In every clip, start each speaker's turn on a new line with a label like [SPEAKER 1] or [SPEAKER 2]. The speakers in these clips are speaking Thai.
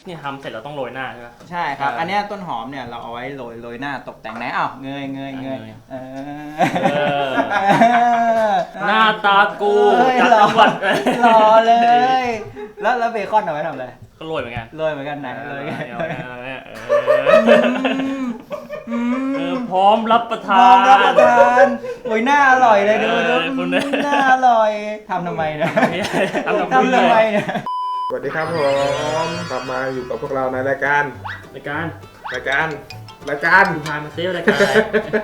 [SPEAKER 1] นี่ทำเสร็จเราต้องโรยหน้าใช่ไหม
[SPEAKER 2] ใช่ครับ อันนี้ต้นหอมเนี่ยเราเอาไว้โรยหน้าตกแต่งไหนอ้าวเงย
[SPEAKER 1] หน้าตากูจาก
[SPEAKER 2] หล่อ
[SPEAKER 1] จังหวัด
[SPEAKER 2] หล่อเลย แล้วเบคอนเอาไว้ทำอะไร
[SPEAKER 1] ก็โรยเหมือนกัน
[SPEAKER 2] โรยเหมือนกันไหนโรยกัน
[SPEAKER 1] พร้อมรับประทา
[SPEAKER 2] พร้อมรับประ
[SPEAKER 1] น
[SPEAKER 2] ทานโอ้ยหน้าอร่อยเลยดู
[SPEAKER 1] คุณเนี่ย
[SPEAKER 2] หน้าอร่อยทำทำไมเนี่ย
[SPEAKER 1] ทำ
[SPEAKER 2] ทำทำไมเนี่ย
[SPEAKER 3] สวัสดีครับผมกลับมาอยู่กับพวกเราในรายการ
[SPEAKER 1] รายการ
[SPEAKER 3] รายการ
[SPEAKER 1] พามาเซลรายการอะไร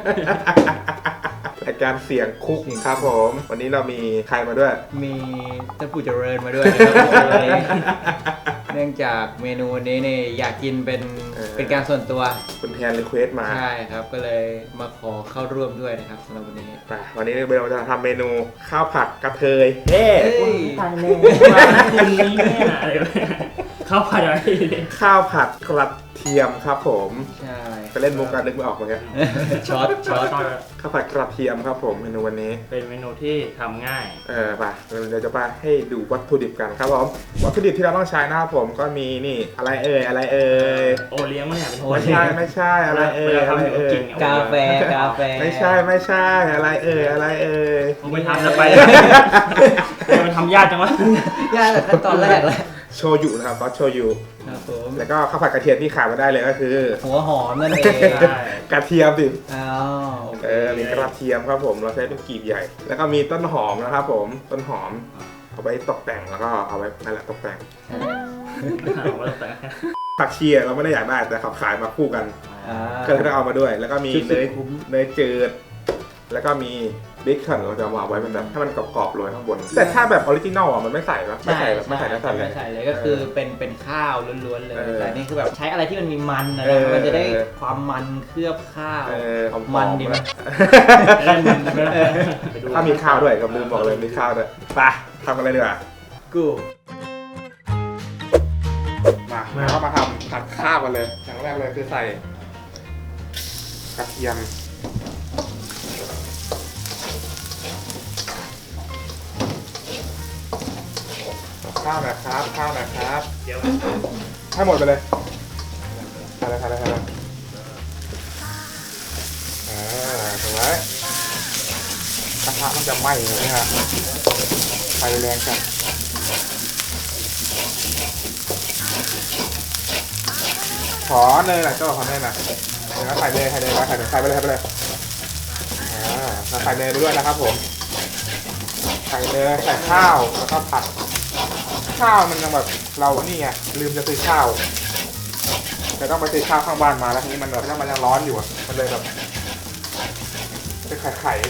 [SPEAKER 3] รายการเสียงคุกครับผมวันนี้เรามีใครมาด้วย
[SPEAKER 2] มีท่านผู้เจริญมาด้วยนะครับวันนี้เนื่องจากเมนูนี้เนี่ยอยากกินเป็นการส่วนตัว
[SPEAKER 3] คุณแทนรีเควสมา
[SPEAKER 2] ใช่ครับก็เลยมาขอเข้าร่วมด้วยนะครับสำหรับวันนี้
[SPEAKER 3] ไปวันนี้เราจะทำเมนูข้าวผัดกระเทยเฮ้
[SPEAKER 1] ตายแล้วคุณนี้เนี่ยอะไรเข้าผัดอะไร
[SPEAKER 3] ข้าวผัดกระเทียมครับผม
[SPEAKER 2] ใช่
[SPEAKER 3] ไปเล่นมุกกันนึกไม่ออกเหมือนกัน
[SPEAKER 2] ช็อต
[SPEAKER 3] ข้าวผัดกระเทียมครับผมเมนูวันนี้
[SPEAKER 1] เป็นเมนูที่ทำง่าย
[SPEAKER 3] ไปเดี๋ยวจะไปให้ดูวัตถุดิบกันครับผมวัตถุดิบที่เราต้องใช้นะครับผมก็มีนี่อะไรเอ่ย
[SPEAKER 1] โอเลี้ยงเนี่ยเป็น
[SPEAKER 3] ไม่ใช่อะไรเอ่ย
[SPEAKER 2] กาแฟ
[SPEAKER 3] ไม่ใช่อะไรเอ่ย
[SPEAKER 1] ผมไปทำแล้วไปมันทำยากจังวะ
[SPEAKER 2] ยากแต่ขั้นตอนแรกเลย
[SPEAKER 3] โชยุนะครับซอสโชยุ
[SPEAKER 2] ครับผม
[SPEAKER 3] แล้วก็ข้าวผัดกระเทียมที่ขาดไม่ได้เลยก็คือ
[SPEAKER 2] หัวหอมนั่นเอง
[SPEAKER 3] กระเทียมสิ
[SPEAKER 2] อ้าวโอเค
[SPEAKER 3] มีกระเทียมครับผมเราใช้เป็นกลีบใหญ่ แล้วก็มีต้นหอมนะครับผมต้นหอมเอาไว้ตกแต่งแล้วก็เอาไว้นั่นแหละตกแต่งผักชีเราไม่ได้อยากได้แต่เขาขายมาคู่กันก็เลยต้องเอามาด้วย แล้วก็มีเนยจืดแล้วก็มีเบคอนเราจะเอามาไว้เป็นแบบให้มันกรอบๆโรยข้างบนแต่ถ้าแบบออริจินอลอ่ะมันไม่ใส่ปะไม่ใส่เนื้อสัตว์เลย
[SPEAKER 2] ไม่ใส่เลยก็คือเป็นข้าวล้วนๆเลยแต่นี่คือแบบใช้อะไรที่มันมีมันนะ
[SPEAKER 3] เออ
[SPEAKER 2] มันจะได้ความมันเคลือบข้าว
[SPEAKER 3] หอ
[SPEAKER 2] มัน
[SPEAKER 3] ๆ
[SPEAKER 2] ดีไหม
[SPEAKER 3] ถ้ามีข้าวด้วยกับลืมบอกเลยมีข้าวด้วยไปทำอะไรดีกว่า
[SPEAKER 2] กู
[SPEAKER 3] มาเข้ามาทำผัดข้าวกันเลยอย่างแรกเลยคือใส่กระเทียมข้าวหน่อยครับ
[SPEAKER 1] เดี๋ยว
[SPEAKER 3] ให้หมดไปเลยทำเลยถูกไหมกระทะมันจะไหม้เลยนะฮะไฟแรงจัดขอเนยหน่อยเจ้าขอเนยหน่อยเดี๋ยวใส่เลยใส่ไปเลยเราใส่เนยไปด้วยนะครับผมใส่เนยใส่ข้าวแล้วก็ผัดข้าวมันยังแบบเรานี่ไงลืมจะซื้อข้าวแต่ต้องไปซื้อข้าวข้างบ้านมาแล้วทีนี้มันแบบมันยังร้อนอยู่อ่ะมันเลยแบบเป็นไข่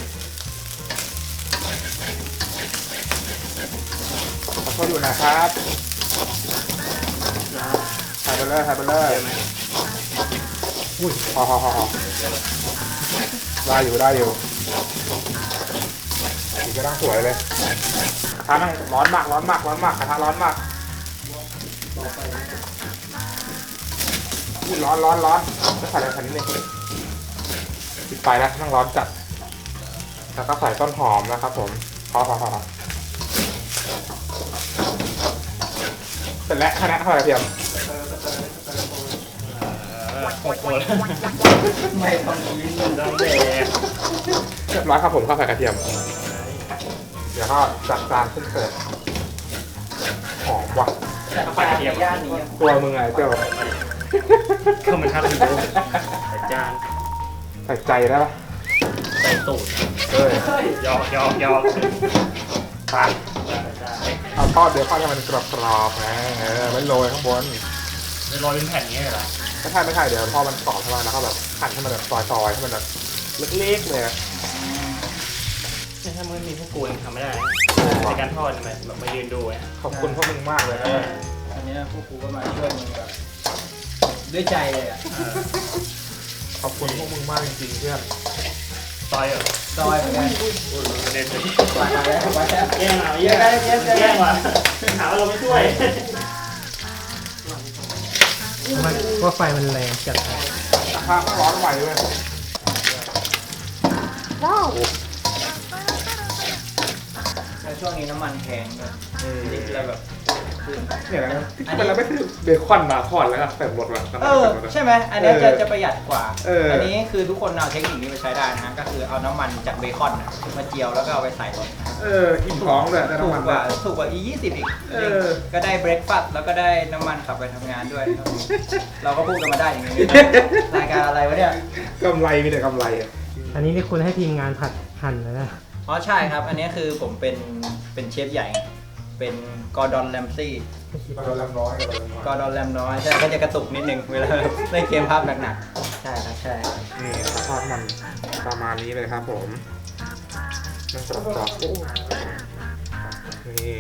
[SPEAKER 3] ขอโทษอยู่นะครับใส่ไปเลยอุ้ยพอได้อยู่สีก็ตั้งสวยเลยกระทะนั่งร้อนมากกระทะร้อนมากอุ้ยร้อนแล้วใส่อะไรนิดนึงปิดไฟแล้วนั่งร้อนจัดแล้วก็ใส่ต้นหอมนะครับผมพอเสร็จแล้วคณะข้าวกระเทียม
[SPEAKER 2] ไม่ต้องกิน
[SPEAKER 1] ต้องแดก
[SPEAKER 3] เรียบร้อยครับผมข้าวผัดกระเทียมเดี๋ยวก็จัดจานขึ้นเสิร์ฟหอมว่ะ
[SPEAKER 1] ข้าวผัดกระเทียม
[SPEAKER 2] ย่านนี้
[SPEAKER 3] ตัวมึงไงเจ้า
[SPEAKER 1] เข้ามาทับอยู่ใส่จาน
[SPEAKER 3] ใส่ใจได้ปะ
[SPEAKER 1] ใส่ตูด หยอก
[SPEAKER 3] ไปเอาทอดเดี๋ยวทอดให้มันกรอบๆนะไม่โรยข้างบน
[SPEAKER 1] โรยเป็นแผ่นนี้เหรอ
[SPEAKER 3] ไม่ใช่เดี๋ยวพอมันกรอบใช่ไหมแล้วก็แบบหั่นให้มันแบบซอยๆให้มันแบบเล็กๆเลยนะ
[SPEAKER 1] ถ้ามันมีพวกกูยังทำไม่ได้ในการทอดแบบมายืนดูไง
[SPEAKER 3] ขอบคุณพวกมึงมากเลยนะ
[SPEAKER 2] อันนี้พวกกูก็มาช่วยมึงแบบด้วยใจเลยอ่ะ
[SPEAKER 3] ขอบคุณพวกมึงมากจริงๆเพื่อน
[SPEAKER 1] ซอยเหรอ
[SPEAKER 2] ซอยเหมือนกัน
[SPEAKER 1] ประเด็น
[SPEAKER 2] ไปแล้ว
[SPEAKER 1] แย่งเอาแย่งว่ะหาว่าเราไม่ช่วย
[SPEAKER 2] ว่าไฟมันแรงจัด
[SPEAKER 3] กระทะก็ร้อนไหวเลยว้าว
[SPEAKER 2] แล้วช่วงนี้น้ำมันแพงด้วยลิตรละแบบ
[SPEAKER 3] เนี่ยนะที่จริงเราไม่ซื้อเบคอนมาทอดแล้วก็ใส่หมดว่ะ
[SPEAKER 2] ใช่ไหมอันนี้จะประหยัดกว่า
[SPEAKER 3] อั
[SPEAKER 2] นนี้คือทุกคนเอาเทคนิคนี้ไปใช้ได้นะฮะก็คือเอาน้ำมันจากเบคอนมาเจียวแล้วก็เอาไปใส่รถ
[SPEAKER 3] อิ่มท้องเลยได้
[SPEAKER 2] ถู
[SPEAKER 3] น้ำ
[SPEAKER 2] ก
[SPEAKER 3] มัน
[SPEAKER 2] กว่าอี20อีกก็ได้เบรกฟาสต์แล้วก็ได้น้ำมันขับไปทำงานด้วย เราก็พูดกันมาได้อย่างนี้รายการอะไรวะเนี่ย
[SPEAKER 3] กำไรมีแต่กำไรอ่ะ
[SPEAKER 1] อันนี้ที่คุณให้ทีมงานผัดหั่นเลยนะ
[SPEAKER 2] อ๋อใช่ครับ อันนี้คือผมเป็นเชฟใหญ่ เป็นกอร์ดอนแรมซี่
[SPEAKER 3] เราลำน้อย
[SPEAKER 2] กอร์ดอนแรมน้อยใช่ก็จะกระตุกนิดนึงเวลาเล่นเกมภาพหนักๆใช่ครับใช่
[SPEAKER 3] นี่ทอดมันประมาณนี้เลยครับผมมันกรอบๆนี่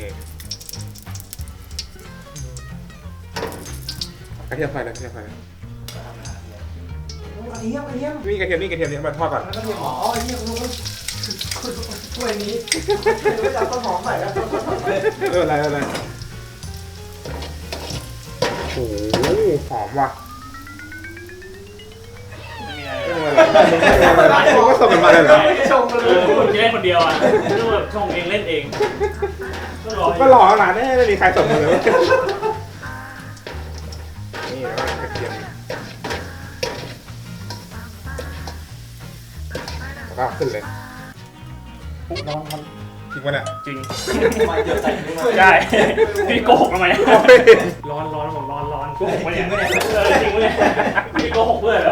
[SPEAKER 3] กระเทียมไฟเลยกระเทียมไฟเลย
[SPEAKER 2] อันนี้อันนี้
[SPEAKER 3] นี่กระเทียมนี่มาทอดก่อน
[SPEAKER 2] แล้วก็มีอ๋อไอ้เนี่ยคุณถ้วยนี้ไม่จะต้นหอมใส่แล้ว
[SPEAKER 3] อะไรโอ้โหหอมว่ะ
[SPEAKER 1] ไม่มี
[SPEAKER 3] มึงก็ส่งกันมาเลยเหรอ
[SPEAKER 2] ชงกันเลย
[SPEAKER 1] คุณจะได้คนเดียวอ่ะนึกว่าชงเองเล่นเองก็รอ
[SPEAKER 3] ก็รอขนาดนี้ไม่มีใครส่งมาเลยนี่แล้วกระเทียมแล้วก็ขึ้นเลยน้องมันจริงปะเนี่ย
[SPEAKER 1] จริง
[SPEAKER 2] ไม่เดี๋ยวใส่ไม่ได้
[SPEAKER 1] ใช่พี่โกหกทำไมร้อนผมร้อนโกหกปะเนี่ยจริงปะเนี่ยพี่โกหกเพื่อนเหรอ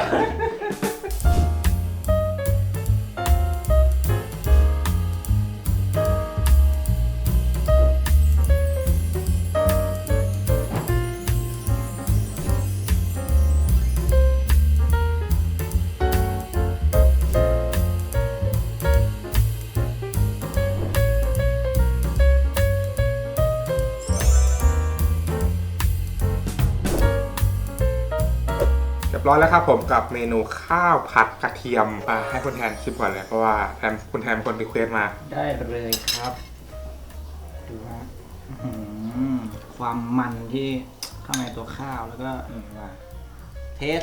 [SPEAKER 3] เรียบร้อยแล้วครับผมกับเมนูข้าวผัดกระเทียมให้คุณแทนชิมก่อนเลยเพราะว่าคุณแทนเป็นคนรีเควสต์มา
[SPEAKER 2] ได้เลยครับดูฮะความมันที่ข้างในตัวข้าวแล้วก็มาเทส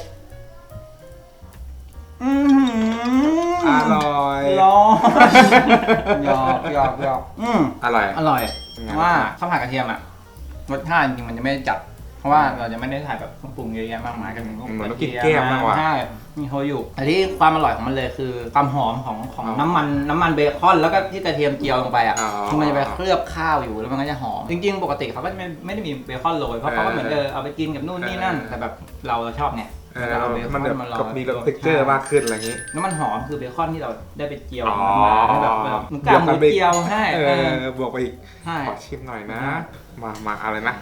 [SPEAKER 3] อร่อย
[SPEAKER 2] ร้อนหยอก
[SPEAKER 3] อร่อย
[SPEAKER 2] อร่อยเพราะว่าข้าวผัดกระเทียมอะรสชาติจริงมันจะไม่ได้จัดเพราะว่าเราจะไม่ได้ใส่แบบเครื่องปรุงเยอะแยะมากมายกัน
[SPEAKER 3] เหมือนต้องกินแก้มมากกว่า
[SPEAKER 2] ใช่มีโฮยุแต่ที่ความอร่อยของมันเลยคือความหอมของน้ำมันเบคอนแล้วก็ที่กระเทียมเจียวลงไปอ่ะมันจะไปเคลือบข้าวอยู่แล้วมันก็จะหอมจริงๆปกติเขาก็ไม่ได้มีเบคอนโรยเพราะเขาก็เหมือนเอาไปกินกับนู่นนี่นั่นแต่แบบเราชอบเนี่ยเอาเบค
[SPEAKER 3] มัน
[SPEAKER 2] อนมาโร
[SPEAKER 3] กับมี
[SPEAKER 2] ย
[SPEAKER 3] เท็กเจอร์มากขึ้นอะไรอย่างนี้
[SPEAKER 2] แล้วมันหอมคือเบคอนที่เราได้ไปเจียว
[SPEAKER 3] อ๋อ
[SPEAKER 2] มันแบบมันกล้าหมูเจียวให้
[SPEAKER 3] บวกไปอีก
[SPEAKER 2] ใช่
[SPEAKER 3] ขอชิมหน่อยนะ มาอะไรนะ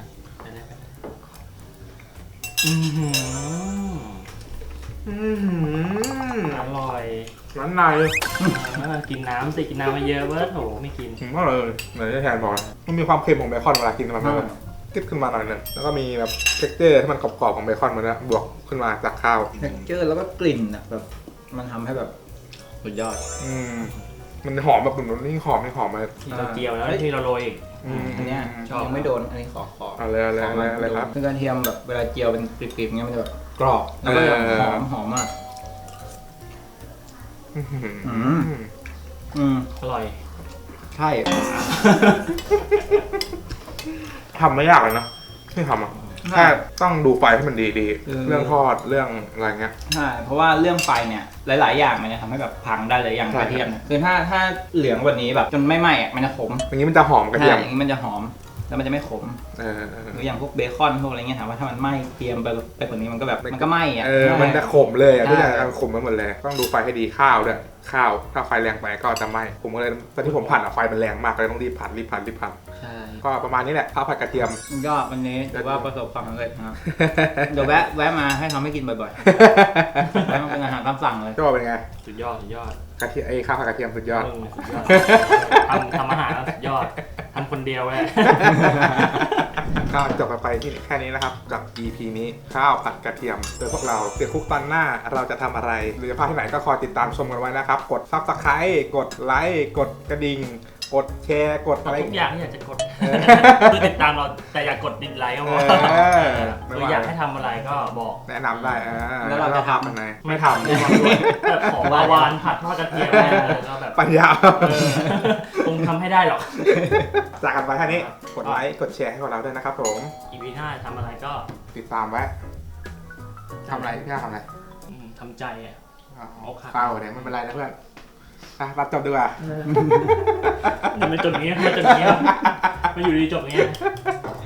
[SPEAKER 1] อร่อย
[SPEAKER 3] ร้านใน
[SPEAKER 1] กินน้ำสิกินน้ำมาเยอะเว้ยโถไม่กิน
[SPEAKER 3] ถึงว่าเลยเหมือนที่แทนบอกมันมีความเค็มของเบคอนเวลากินมันแบบกิ๊บขึ้นมาหน่อยนึงแล้วก็มีแบบเท็กเจอร์ที่มันกรอบๆของเบคอนมันนะบวกขึ้นมาจากข้าว
[SPEAKER 2] เท็กเจอร์แล้วก็กลิ่นอ่ะแบบมันทำให้แบบสุดยอด
[SPEAKER 3] มันหอมแบบมันนี่หอมมา
[SPEAKER 1] ที่เราเจียวแล้วที่เราโรยอีก
[SPEAKER 2] อันเนี้ย
[SPEAKER 1] ชอบ
[SPEAKER 2] ยังไม่โดนอันนี้ขอ
[SPEAKER 3] อะไรครับ
[SPEAKER 2] คือกระเทียมแบบเวลาเจียวเป็นกริบๆเงี้ยมันจะแบบกรอบแล้วก็แบบหอมมาก
[SPEAKER 1] อร่อย
[SPEAKER 2] ใช่
[SPEAKER 3] ทำไม่ยากเลยนะที่ทำอ่ะแค่ต้องดูไฟให้มันดีเรื่องทอดเรื่องอะไรเงี้ย
[SPEAKER 2] ใช่เพราะว่าเรื่องไฟเนี่ยหลายๆอย่างมันจะทำให้แบบพังได้เลยอย่างกระเทียมเนี่ยคือถ้าเหลืองกว่านี้แบบจนไม่ไหม้อะมันจะขม
[SPEAKER 3] อย่างนี้มันจะหอมกระเทียม
[SPEAKER 2] อย่างนี้มันจะหอมแล้วมันจะไม่ขมหรืออย่างพวกเบคอนพวกอะไรเงี้ยถามว่าถ้ามันไหม้เตรียมไปกว่านี้มันก็แบบมันก็ไหม้อ่ะ
[SPEAKER 3] มันจะขมเลยทุกอย่างมันขมไปหมดเลยต้องดูไฟให้ดีข้าวด้วยข้าวถ้าไฟแรงไปก็จะไหม้ผมก็เลยตอนที่ผมผัดไฟมันแรงมากเลยต้องรีบผัด
[SPEAKER 2] ใช่
[SPEAKER 3] ก็ประมาณนี้แหละข้าวผัดกระเทียม
[SPEAKER 2] ก็วันนี้ถือว่าประสบความสำเร็จนะครับเดี๋ยวแวะมาให้ทำให้กินบ่อยๆแล้วมันเป็นอาหารตามสั่งเลย
[SPEAKER 3] ก็เป็นไง
[SPEAKER 1] สุดยอด
[SPEAKER 3] กระเทียมข้าวผัดกระเทียมสุดยอด
[SPEAKER 1] ทำอาหารสุดยอดทำคนเดียวเลย
[SPEAKER 3] ก็จบไปที่แค่นี้นะครับกับ EP นี้ข้าวผัดกระเทียมโดยพวกเราเดี๋ยวคุกตอนหน้าเราจะทำอะไรหรือจะพลาดที่ไหนก็คอยติดตามชมกันไว้นะครับกด Subscribe กดไลค์กดกระดิ่งกดแชร์กดอะไร
[SPEAKER 1] ทุกอย่างที่อยากจะกดคือติดตามเราแต่อยากกดดิสไลค์ก็พอคืออยากให้ทำอะไรก็บอก
[SPEAKER 3] แนะนำได้
[SPEAKER 2] แล้วเราจะทำ
[SPEAKER 3] อะไรไม่ทำ
[SPEAKER 1] แบบของวาวานผัดทอดกระเทียมก็แบบ
[SPEAKER 3] ปัญญา
[SPEAKER 1] ปรุงทำให้ได้หรอก
[SPEAKER 3] จากกันไปแค่นี้กดไลค์กดแชร์ให้พวกเราด้วยนะครับผม
[SPEAKER 1] EP หน้าทำอะไรก็
[SPEAKER 3] ติดตามไว้ทำอะไรพี่ทำอะไร
[SPEAKER 1] ทำใจอ่ะ เอาครับ
[SPEAKER 3] เปล่าเนี่ยไม่เป็นไรนะเพื่อนรับจบดีกว่า
[SPEAKER 1] มันจบอย่างเงี้ยมันจบอย่างเงี้ยมันอยู่ดีจบอย่างเงี้ย